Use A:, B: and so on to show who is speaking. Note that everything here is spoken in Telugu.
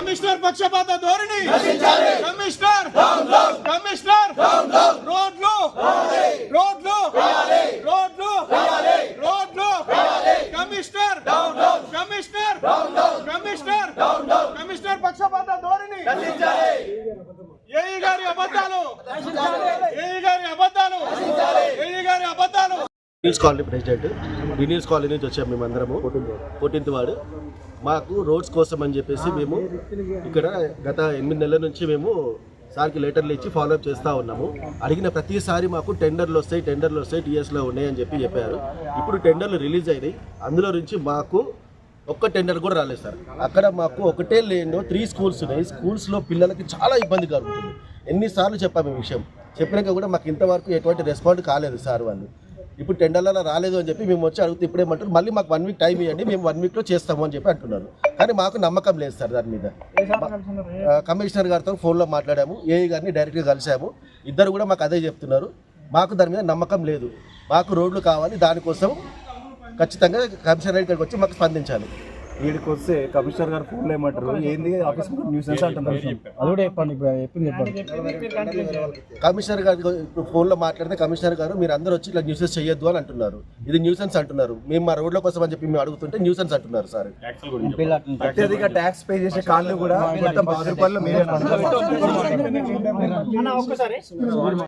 A: కమిషనర్ పక్షపాత ధోరణి, కమిషనర్ రోడ్లు కమిషనర్ పక్షపాత ధోరణి, ఏఈ గారి అబద్ధాలు.
B: వినీల్స్ కాలనీ ప్రెసిడెంట్. వినీల్స్ కాలనీ నుంచి వచ్చాము మేమందరము 14th వార్డు. మాకు రోడ్స్ కోసం అని చెప్పేసి మేము ఇక్కడ గత 8 నెలల నుంచి మేము సార్కి లెటర్లు ఇచ్చి ఫాలోఅప్ చేస్తూ ఉన్నాము. అడిగిన ప్రతిసారి మాకు టెండర్లు వస్తాయి టీఎస్లో ఉన్నాయని చెప్పారు. ఇప్పుడు టెండర్లు రిలీజ్ అయినాయి. అందులో నుంచి మాకు ఒక్క టెండర్ కూడా రాలేదు సార్. అక్కడ మాకు ఒకటే లేనో 3 స్కూల్స్ ఉన్నాయి. స్కూల్స్లో పిల్లలకి చాలా ఇబ్బంది కలుగుతుంది. ఎన్నిసార్లు చెప్పాము ఈ విషయం, చెప్పినాక కూడా మాకు ఇంతవరకు ఎటువంటి రెస్పాండ్ కాలేదు సార్ వాళ్ళు. ఇప్పుడు టెండర్లలో రాలేదు అని చెప్పి మేము వచ్చి అడిగితే ఇప్పుడేమంటారు, మళ్ళీ మాకు 1 వీక్ టైం ఇవ్వండి, మేము 1 వీక్లో చేస్తాము అని చెప్పి అంటున్నారు. కానీ మాకు నమ్మకం లేదు సార్ దాని మీద. కమిషనర్ గారితో ఫోన్లో మాట్లాడాము, ఏఈ గారిని డైరెక్ట్గా కలిసాము. ఇద్దరు కూడా మాకు అదే చెప్తున్నారు. మాకు దాని మీద నమ్మకం లేదు. మాకు రోడ్లు కావాలి, దానికోసం ఖచ్చితంగా కమిషనర్ ఇక్కడికి వచ్చి మాకు స్పందించాలి.
C: వీడికి వస్తే కమిషనర్ గారు ఫోన్లో ఏమంటారు, ఏంది ఆఫీస్ న్యూసెన్స్ అంటున్నారు. అది కూడా చెప్పండి.
B: కమిషనర్ గారు ఇప్పుడు ఫోన్లో మాట్లాడితే కమిషనర్ గారు మీరు అందరూ వచ్చి ఇట్లా న్యూసెన్స్ చేయొద్దు అని అంటున్నారు. ఇది న్యూసెన్స్ అంటున్నారు. మేము మా రోడ్ల కోసం అని చెప్పి మేము అడుగుతుంటే న్యూసెన్స్ అంటున్నారు సార్.
C: అత్యధిక ట్యాక్స్ పే చేసే కాళ్ళు కూడా మొత్తం 10 రూపాయలు మీరే